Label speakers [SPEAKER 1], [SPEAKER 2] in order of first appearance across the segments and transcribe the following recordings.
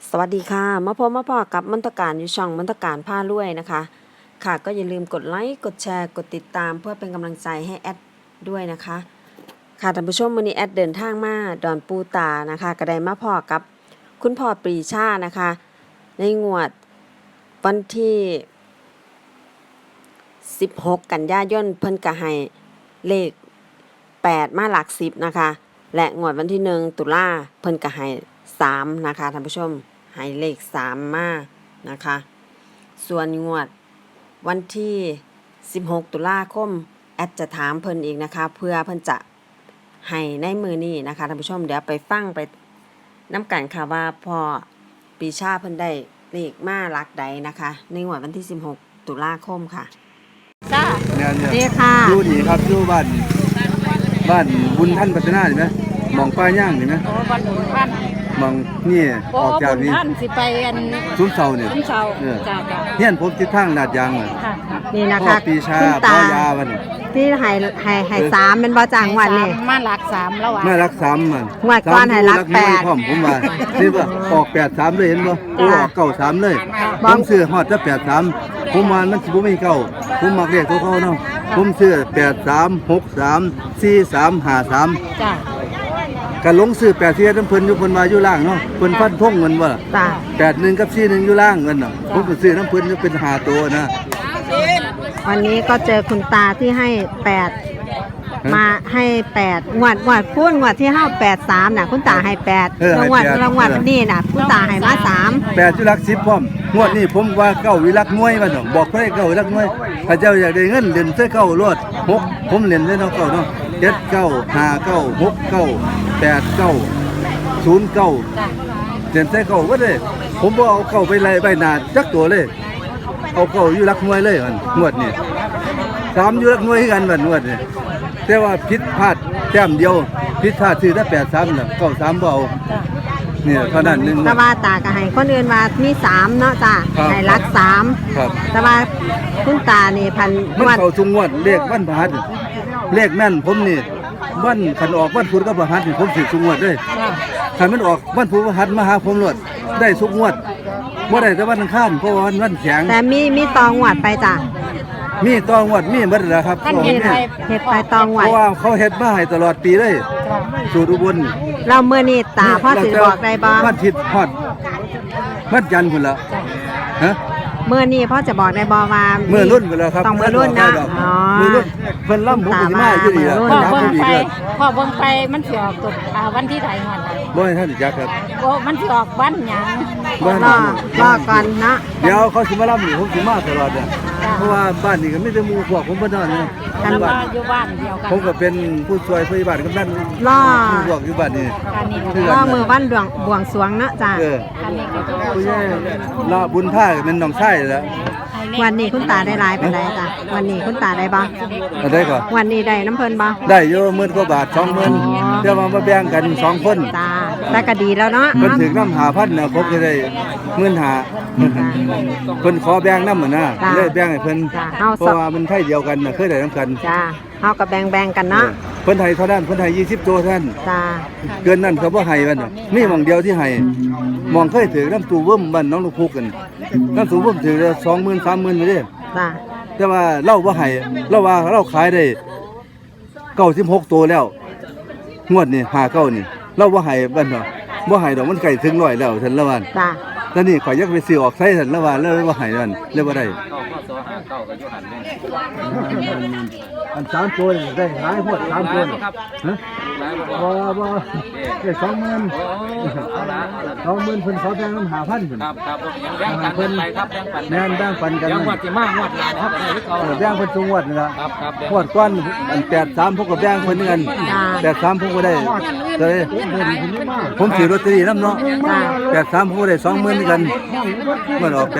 [SPEAKER 1] สวัสดีค่ะมาพบมาพอกับมนตการอยู่ช่องมนตการผ้ารวยนะคะค่ะก็อย่าลืมกดไลค์กดแชร์กดติดตามเพื่อเป็นกำลังใจให้แอดด้วยนะคะค่ะท่านผู้ชมวันนี้แอดเดินทางมาดอนปูตานะคะก็ได้มาพอกับคุณพ่อปรีชานะคะในงวดวันที่16กันยายนเพิ่นก็ให้เลข8มาหลัก10นะคะและงวดวันที่1ตุลาเพิ่นก็ให้3นะคะท่านผู้ชมให้เลข3มานะคะส่วนงวดวันที่16ตุลาคมแอดจะถามเพิ่นอีกนะคะเพื่อเพิ่นจะให้ในมือนี้นะคะท่านผู้ชมเดี๋ยวไปฟังไปน้ำกันค่ะว่าพอปีชาเพิ่นได้เลขมาหลักใดนะคะในงวดวันที่16ตุลาคมค่ะ
[SPEAKER 2] จ้า
[SPEAKER 3] เนี่ย
[SPEAKER 2] ดีค่ะ
[SPEAKER 3] ดูดีครับดูบ้านบุญท่านพัฒนาเห็นไหมมองป้ายย่างเห็นไหม
[SPEAKER 2] โอ้บ้านบุญท่าน
[SPEAKER 3] มองนี่ออกจากนี้
[SPEAKER 2] ท่านสิไปอัน
[SPEAKER 3] ซุ้มเสาเนี่ย
[SPEAKER 2] ซุ้มเสาจ้า
[SPEAKER 3] เฮียนผมทิศทางลาดยางเลย
[SPEAKER 1] นี่นะ
[SPEAKER 3] พ่อ
[SPEAKER 1] คะ
[SPEAKER 3] ปีชาพ่อยาวัน
[SPEAKER 1] ที่ให้3เป็นบ่จางวันนี่
[SPEAKER 2] มาหลัก3แล้วอ่ะ
[SPEAKER 3] มารัก3มัน
[SPEAKER 1] งวดก่อนให้รัก8
[SPEAKER 3] พร้อมผมว่านี่ว่าออก83เลยเห็นบ่ออก93เลยผมซื้อฮอดจะ83ผมว่ามันสิบ่มีเก้าผมมักเลขตัวเก่าเนาะผมซื้อ83 63 43 53
[SPEAKER 2] จ้า
[SPEAKER 3] ก็ลงซื้อ84น้ำเพิ่นอยู่เพิ่นว่าอยู่ล่างเนาะเพิ่นฟันธงเงินว่า
[SPEAKER 1] จ้า
[SPEAKER 3] 81กับ41อยู่ล่างเงินน่ะผมก็ซื้อน้ำเพิ่นเป็น5ตัวนะ
[SPEAKER 1] วันนี้ก็เจอคุณตาที่ให้8มาให้8งวดพูนงวดที่เฮา83น่ะคุณตาให้8รางวัลนี้น่ะคุณตาให้มา3
[SPEAKER 3] 8อยู่หลัก10พร้อมงวดนี้ผมว่าเก้าวิลักหน่วยว่าซั่นบอกเพิ่นเก้าวิลักหน่วยถ้าเจ้าอยากได้เงินเล่นใส่เก้ารวด6ผมเล่นได้เนาะเก้าเนาะ7 9 5 9 6 9 8 9 0 9เล่นใส่เก้าบ่ได้ผมบ่เอาเก้าไปไล่ใบหน้าจักตัวเลยเอาเก้าอยู่หลักหน่วยเลยมันงวดนี้3อยู่หลักหน่วยคือกันบัดงวดนี้แต่ว่าผิดพลาดแต้มเดียวผิดพลาดซื้อได้83น่ะ93บ่เอาเนี่ยเท่านั้นนึง
[SPEAKER 1] แต่ว่าตาก็ให้คนอื่นว่ามี3เนาะจ้าให้รัก3
[SPEAKER 3] ครับ
[SPEAKER 1] แต่ว่าคุณตานี่พัน
[SPEAKER 3] มันเข้าทุกงวดเลขวันพฤหัสเลขแม่นผมนี่วันคันออกวันพุธกับพฤหัสนี่ผมสิทุกงวดเด้คันมันออกวันพุธพฤหัสมาหาผมโลดได้ทุกงวดบ่ได้แต่วันอังคารเพราะว่าวันแข็ง
[SPEAKER 1] แต่มีตองวดไปจ้ะ
[SPEAKER 3] มีตองวดมีเบิดแล้วครับ
[SPEAKER 1] เฮ็ดไปตองวด
[SPEAKER 3] เพราะว่าเขาเฮ็ดมาให้ตลอดปีเลยสูตรอุบล
[SPEAKER 1] เราเมื่อนี้ตาพ่อสิบอกได้บ่
[SPEAKER 3] วันอาทิตย์ฮอดวันจันทร์พุ่นละฮะ
[SPEAKER 1] เมื่อนี้พ่อจะบอกได้บ่ว่า
[SPEAKER 3] เมื่อรุ่นพุ่นแล้วครับ
[SPEAKER 1] ต้องเมื่อรุ่นนะ
[SPEAKER 3] อ๋อเมื่อรุ่นเพิ่นล่ำผมสิมาอยู่นี่ล่ะ
[SPEAKER 2] พ่อเบิ่งไปมันสิออกตุวันที่ใดฮอด
[SPEAKER 3] บ่ให้ท่านจักครับ
[SPEAKER 2] โอ้มันสิออกวันหยัง
[SPEAKER 1] รอก่อนนะ
[SPEAKER 3] เดี๋ยวเขาสิมาล่ำนี่ผมสิมาตลอดเพราะว่าบ้านนี่ก็มีแต่หมู่พวกผมบ่นอนนี่
[SPEAKER 2] กันว่าอยู่บ้านเดียวกัน
[SPEAKER 3] ผมก็เป็นผู้ช่วยพยาบาลกำนันพวกอยู่บ้านนี่
[SPEAKER 1] รอมือวันบวงสรวงเนาะจ้ะ
[SPEAKER 3] ผู้ใหญ่ลาบุญท่าเป็นน้องชายแล้ว
[SPEAKER 1] วันนี้คุณตาได้หลายปานใดจ้ะวันนี้คุณตาได้บ่
[SPEAKER 3] ได้ก่อน
[SPEAKER 1] วันนี้ได้น้ำเพิ่นบ่
[SPEAKER 3] ได้อยู่10,000กว่าบาท 20,000เดี๋ยวมาแบ่งกัน2คน
[SPEAKER 1] จ้าแต่ก็ดีแล้วเนาะ
[SPEAKER 3] เพิ่นถึงนำ5,000น่ะผมก็ได้15,000เพิ่นขอแบ่งนำน่ะเลยแบ่งให้เพิ่นเพราะว่ามันไทยเดียวกันน่ะเคยได้นำกัน
[SPEAKER 1] จ้าเฮาก็แบ่งกันเนาะ
[SPEAKER 3] เพิ่นให้เท่านั้นเพิ่นให้20ตัวท่าน
[SPEAKER 1] จ้า
[SPEAKER 3] เกินนั้นเขาบ่ให้มันมีหม่องเดียวที่ให้มองเคยถือน้ำตูเบิ่มบ้านน้องลูกพุกกันน้ำตูเบิ่มถือละ20,000 30,000ไปเด้
[SPEAKER 1] จ้า
[SPEAKER 3] แต่ว่าเราบ่ให้เราว่าเราขายได้96ตัวแล้วงวดนี้59นี่เราบ่ให้บ้านเนาะบ่ให้ดอกมันใกล้ถึง100แล้วท่านละวัน
[SPEAKER 1] จ้า
[SPEAKER 3] ตอนนี้ข่อยอยากไปซื้อออกใช้ท่านละวันแล้วบ่ให้นั่นเลยบ่ได้อัน3ตัวได้หลายพวด3ตัวฮะบ่ได้20,000เพิ่นขอแบ่งนำ5,000เพิ่น
[SPEAKER 4] ครับแบ่งกันไปครับ
[SPEAKER 3] แม่นแบ่งปันกัน
[SPEAKER 4] ยังวัดสิมางวดหลานครับ
[SPEAKER 3] แบ่งเพิ่นทุกงวดนี่ล่ะ
[SPEAKER 4] ครับ
[SPEAKER 3] งวดก่อนอัน83ผมก็แบ่งเพิ่นเหมือนกัน83ผมก็ได้ผมซื้อลอตเตอรี่นำเนาะ83ผมก็ได้20,000เหมือนกันมันออก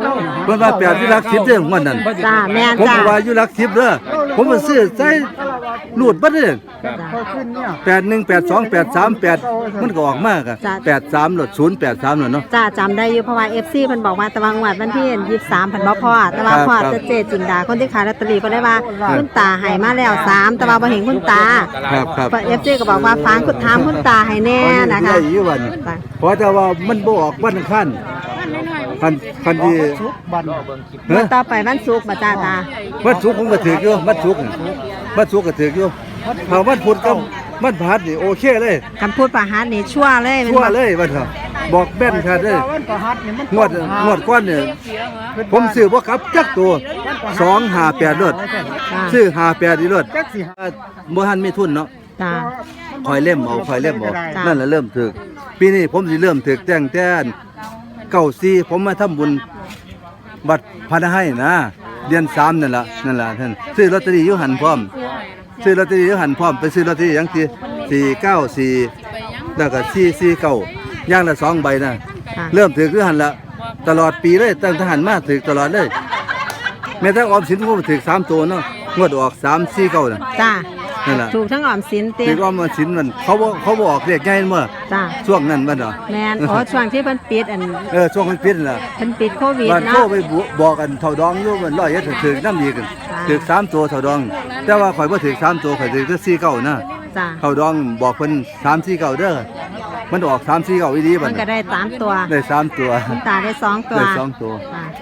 [SPEAKER 3] 83เพิ่นว่า8อยู่หลัก10เด้องวดนั้น
[SPEAKER 1] จ้าแม่น
[SPEAKER 3] ผมก็ว่าอยู่หลัก10เด้อผมก็ซื้อใส่รูดบัดเด้อ
[SPEAKER 2] จ้ะ
[SPEAKER 3] 818283มันก็ออกมากอ่ะ
[SPEAKER 2] จ้ะ
[SPEAKER 3] 83หลด083หลดเนาะ
[SPEAKER 2] จ้าจำได้อยู่เพราะว่า FC เพิ่นบอกว่าตะวันงวดวันที่23เพิ่นบ่พอแต่ว่าพอ
[SPEAKER 3] ครับ
[SPEAKER 2] จะเจจินดาคนที่ขายลอตเตอรี่ก็ได้ว่า
[SPEAKER 3] ครับ
[SPEAKER 2] คุณตาให้มาแล้ว3แต่ว่าบ่เห็นคุณตา
[SPEAKER 3] ครับครับ
[SPEAKER 2] FC ก็บอกว่าฟังคุณถามคุณตาให้แน่นะคะ
[SPEAKER 3] ได้อยู่วัน
[SPEAKER 2] จ้ะ
[SPEAKER 3] เพราะแต่ว่ามันบ่ออกวันอังคารคันที่
[SPEAKER 2] งวดต่อไปวันศุกร์บ่จ้าตา
[SPEAKER 3] วันศุกร์ผมก็ถืออยู่วันศุกร์ก็ถืออยู่ถ้าวันพุธกับวันพฤหัสนี่โอเคเลย
[SPEAKER 2] คำพูดประหารนี่ชั่วเลยแม่น
[SPEAKER 3] ชั่ว
[SPEAKER 2] บ่
[SPEAKER 3] เลยวันเถอะบอกแม่นคัดเลยงวดก้อนเนี่ยผมซื้อบ่กลับจักตัว258รถ
[SPEAKER 2] จ้า
[SPEAKER 3] ซื้อ58อีรถบ่ทันมีทุนเนาะ
[SPEAKER 2] จ้า
[SPEAKER 3] คอยเล่มเอา
[SPEAKER 2] จ้ะ
[SPEAKER 3] นั่นแหละเริ่มถึกปีนี้ผมสิเริ่มถึกแต่น94ผมมาทำบุญวัดพระนให้นะเดือน3นั่นล่ะท่านซื้อลอตเตอรี่อยู่หันพร้อมซื้อลอตเตอรี่อยู่หันพร้อมไปซื้อลอตเตอรี่อย่างที่494แล้วก็449อย่างละ2ใบนะ
[SPEAKER 2] จ้า
[SPEAKER 3] เริ่มถึกอยู่หันละตลอดปีเลยตั้งทหารมาถึกตลอดเลยแม้แต่ออมสินผมก็ถึก3ตัวเนาะงวดออก349น่ะ
[SPEAKER 2] จ้า
[SPEAKER 3] นั่นล่ะ
[SPEAKER 2] ถูกทั้งออมสินติ
[SPEAKER 3] ถึกออมสินมันเขาบ่ออกเลขใหญ่เมื่อ
[SPEAKER 2] จ้า
[SPEAKER 3] ช่วงนั้นมันเหรอ
[SPEAKER 2] แม่นอ๋อช่วงที่เพิ่นปิด
[SPEAKER 3] ช่วงมันปิดนั่นล่ะ
[SPEAKER 2] เพิ่นปิดโควิด
[SPEAKER 3] บ้านโทร
[SPEAKER 2] เนาะ
[SPEAKER 3] ไปบอกกันเท่าดองอยู่มันร้อยเอ็ดถึกน้ำดีกัน
[SPEAKER 2] จ้า
[SPEAKER 3] ถึก3ตัวเท่าดอง แต่ว่าข่อยบ่ถึก3ตัวข่อยถึกแต่49นะ
[SPEAKER 2] จ้า
[SPEAKER 3] เท่าดองบอกเพิ่น349เด้อมันออก349อีหลีบั
[SPEAKER 2] มั
[SPEAKER 3] ด
[SPEAKER 2] นก็ได้3ตัว
[SPEAKER 3] ได้3ตัว
[SPEAKER 2] คุณตาได้2ตัว
[SPEAKER 3] ได้2ตัว
[SPEAKER 2] จ้า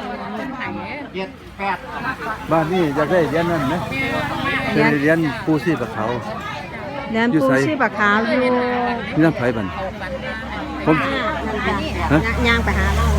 [SPEAKER 3] บ้านนี้อยากได้เหรียญนั่นไหมเป็นเหรียญปูชีพเขา
[SPEAKER 2] เรียน
[SPEAKER 3] อยู่
[SPEAKER 2] ปู
[SPEAKER 3] ไส
[SPEAKER 2] ชีพขาวอยู่
[SPEAKER 3] นี่น้ำไผบันผม ฮะ
[SPEAKER 2] ย่างไปหาเรา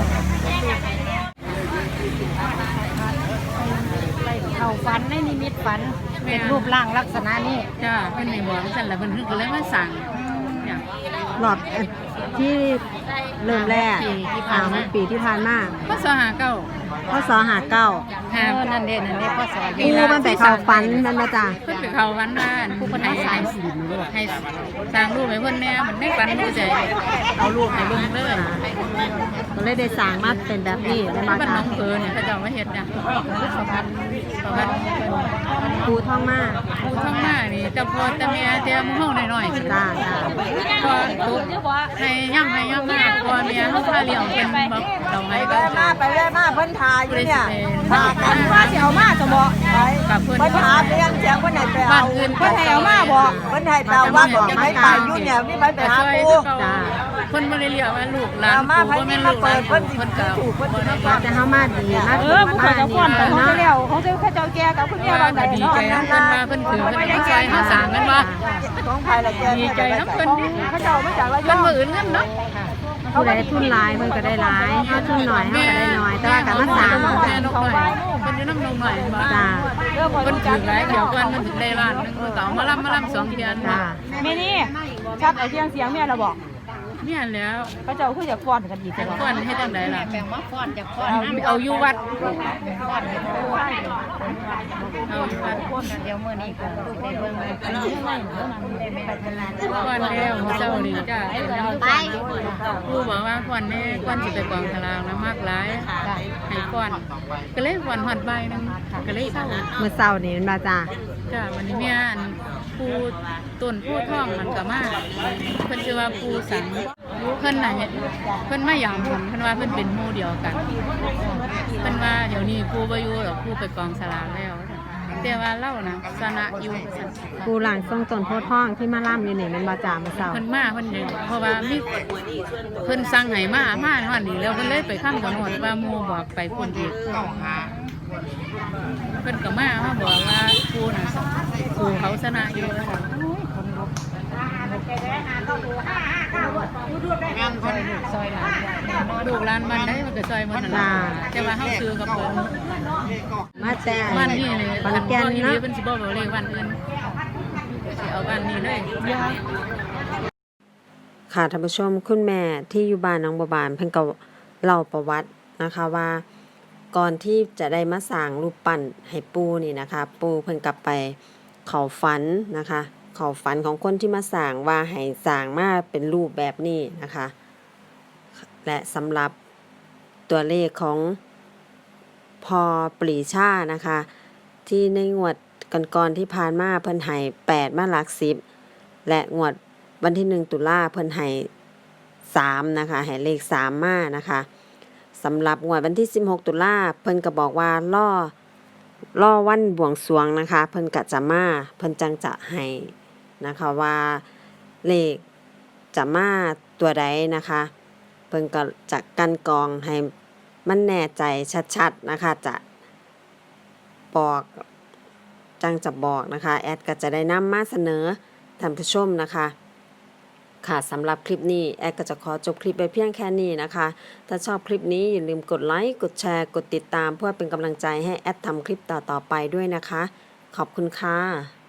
[SPEAKER 2] เขาฝันในนิมิตฝันเป็นรูปร่างลักษณะนี้
[SPEAKER 5] จ้าเพิ่นให้บอกจังซั่นล่ะเพิ่นก็เลยมาสั่งเนี่ย
[SPEAKER 2] หลอดที่เริ่มแรก ปีที่ผ่านมา
[SPEAKER 5] พศ59
[SPEAKER 2] พศหาเก้า
[SPEAKER 5] หานั่นเด้พศ
[SPEAKER 2] ปูมันไปเขาฝันมันมาจ้า
[SPEAKER 5] เพิ่นไปเข้าวันบ้านผู้เพิ่นให้สร้างรูปให้เพิ่นแน่มันได้ฝันรู้ใจเอารูปให้เบิ่งเลย
[SPEAKER 2] ก็เลยได้สร้างมาเป็นแบบนี้ได้มา
[SPEAKER 5] บ้าน
[SPEAKER 2] จ้า
[SPEAKER 5] น้องเพิ่นเนี่ยเขาเจ้ามาเฮ็ดเนี่ยประวัติเพิ่น
[SPEAKER 2] ปูท่องมา
[SPEAKER 5] ผู้ทั้งมานี่แต่พ่อแต่แม่แต่หมู่เฮาน้อยๆ
[SPEAKER 2] จ้าจ้า
[SPEAKER 5] พอตุ๊ให้ย่ำมาพอแม่เฮาพาเลี้ยงเป็นแบบดอกไม้ก็
[SPEAKER 6] มาไปเลยมาเพิ่นทาอยู่เนี่ย
[SPEAKER 5] พา
[SPEAKER 6] ทากันว่าสิเอามาจะบอกไป
[SPEAKER 5] กับเพิ่น
[SPEAKER 6] เพิ่นถามเรื่องเสียงเพิ่นให้ไป
[SPEAKER 5] บ้า
[SPEAKER 6] เอา
[SPEAKER 5] นอื่น
[SPEAKER 6] เพิ่นให้เอามาบอกเพิ่นให้ไปเอาว่าบอกให้ไปอยู่เนี่ยนี่ไปหาปู
[SPEAKER 2] จ้า
[SPEAKER 5] เพิ่นบ่ได้เรียกว่าลูกหลาน
[SPEAKER 6] เอามา
[SPEAKER 5] ปู่
[SPEAKER 6] ไผ
[SPEAKER 5] บ่
[SPEAKER 6] นี่
[SPEAKER 5] แม่น
[SPEAKER 6] มา
[SPEAKER 5] ลูกห
[SPEAKER 6] เปิ
[SPEAKER 5] ลาน
[SPEAKER 6] ดเพิ่นสิ
[SPEAKER 5] เพิ่นก็
[SPEAKER 6] ถูกเพิ่นสิได้
[SPEAKER 2] แต่เฮามาดีมา
[SPEAKER 6] ผู้ใครจะฟ้อนแต่ของเจ้าของเจ้าข้าเจ้าแก่กับคุณแม่
[SPEAKER 5] ว่า
[SPEAKER 6] บางไหน
[SPEAKER 5] ก็ดี
[SPEAKER 6] เนาะ
[SPEAKER 5] ใจนำเพิ่นมาเพิ่นถือเพิ่นก็ซอยเฮาสร้างกันว่า
[SPEAKER 6] ของไผละแก่
[SPEAKER 5] ดีใจนำเพิ่นดิ
[SPEAKER 6] ข้าเจ้ามาจากระย
[SPEAKER 5] เพิ่
[SPEAKER 6] อน ง
[SPEAKER 5] บ่อื่นกันเนาะ
[SPEAKER 2] ผู้ใดทุนหลายเพิ่นก็ได้หลายเฮาทุนหน่อยเฮาก็ได้น้อยแต่ว่าการมาสร้าง
[SPEAKER 5] แม่นกหน่อยเพิ่นอยู่นำนงหน่อยบ่
[SPEAKER 2] จ้า
[SPEAKER 5] เพิ่นถือหลายเดี๋ยวก่อนมันถึงได้ล้านนึงเพิ่นก็เอามาลำ2เดือน
[SPEAKER 2] จ้า
[SPEAKER 6] แม่นี่ชัดไอ้เสียงเสียงแม่เราบอก
[SPEAKER 5] เนี่ยแล้ว
[SPEAKER 6] ข้าเจ้าคืออยากฟ้อนกันอีก
[SPEAKER 5] จะ
[SPEAKER 6] จัง
[SPEAKER 5] ฟ้อนเฮ็ดจังไดล่ะเอาอยู่วัดเอาอยู่วัด
[SPEAKER 6] เดี๋ยวมื้อนี้ก็ได้เบิ่ง
[SPEAKER 5] ก่อนแล้วเจ้านี่จ้าครูบอกว่าก่อนนี้ก่อนสิไปกองทลางนะมากหลายให้ก่อนก็เลยก่อนหอดใบนึงก็เลยเศร้า
[SPEAKER 2] มื้อเช้านี่มันมาจ้า
[SPEAKER 5] จ้าวันนี้แม่อันปูต้นผู้ท่องมันก็มาเพิ่นชื่อว่าปูสังเพิ่นน่ะเพิ่นมาหยามผมเพิ่นว่าเพิ่นเป็นหมู่เดียวกันเพิ่นว่าเดี๋ยวนี้ปูบ่อยู่หรอกปูไปกองสลากแล้วแต่ว่าเล่านะสนะอยู่ซั่น
[SPEAKER 2] ปูหลังทรงต้นโพธิ์ทองที่มาล่ำอยู่นี่มันมาจ้ามื้อเช้า
[SPEAKER 5] เพิ่นมาเพิ่นยังเพราะว่ามีเพิ่นสั่งให้มาฮอดนี่แล้วเพิ่นเลยไปข้ามถนนว่าหมู่บอกไปพุ่นอีกเพิ่นก็มาบอกว่าปูน่ะปูเขาสนะอยู่ลูกหลานมันได้มันก็ซอยมันนั่นล่ะแต่ว่าเฮาซื้อกับเพิ่น
[SPEAKER 2] มาแต่
[SPEAKER 5] บ้านนี่เลย
[SPEAKER 2] ขอนแก่น
[SPEAKER 5] เนาะ
[SPEAKER 2] เนาะ
[SPEAKER 5] เพิ่นสิบ่บอกเลขบ้านอื่นสิเอาบ้านนี้เลย
[SPEAKER 1] ค่ะท่านผู้ชมคุณแม่ที่อยู่บ้านน้องบัวบานเพิ่นก็เล่าประวัตินะคะว่าก่อนที่จะได้มาสร้างรูปปั้นให้ปู่นี่นะคะปู่เพิ่นกลับไปเข้าฝันนะคะเข้าฝันของคนที่มาสร้างว่าให้สร้างมาเป็นรูปแบบนี้นะคะ และสำหรับตัวเลขของพอปรีชานะคะ ที่ในงวดก่อนๆที่ผ่านมาเพิ่นให้8มาหลัก10และงวดวันที่1ตุลาเพิ่นให้3นะคะให้เลข3มานะคะสำหรับงวดวันที่16ตุลาเพิ่นก็บอกว่ารอวันบวงสรวงนะคะเพิ่นก็จะมาเพิ่นจังจะให้นะคะว่าเลขจะมาตัวใดนะคะเพิ่นก็จะกันกรองให้มันแน่ใจชัดๆนะคะจะบอกจังจะบอกนะคะแอดก็จะได้นำมาเสนอท่านผู้ชมนะคะค่ะสำหรับคลิปนี้แอดก็จะขอจบคลิปไปเพียงแค่นี้นะคะถ้าชอบคลิปนี้อย่าลืมกดไลค์กดแชร์กดติดตามเพื่อเป็นกำลังใจให้แอดทำคลิปต่อๆไปด้วยนะคะขอบคุณค่ะ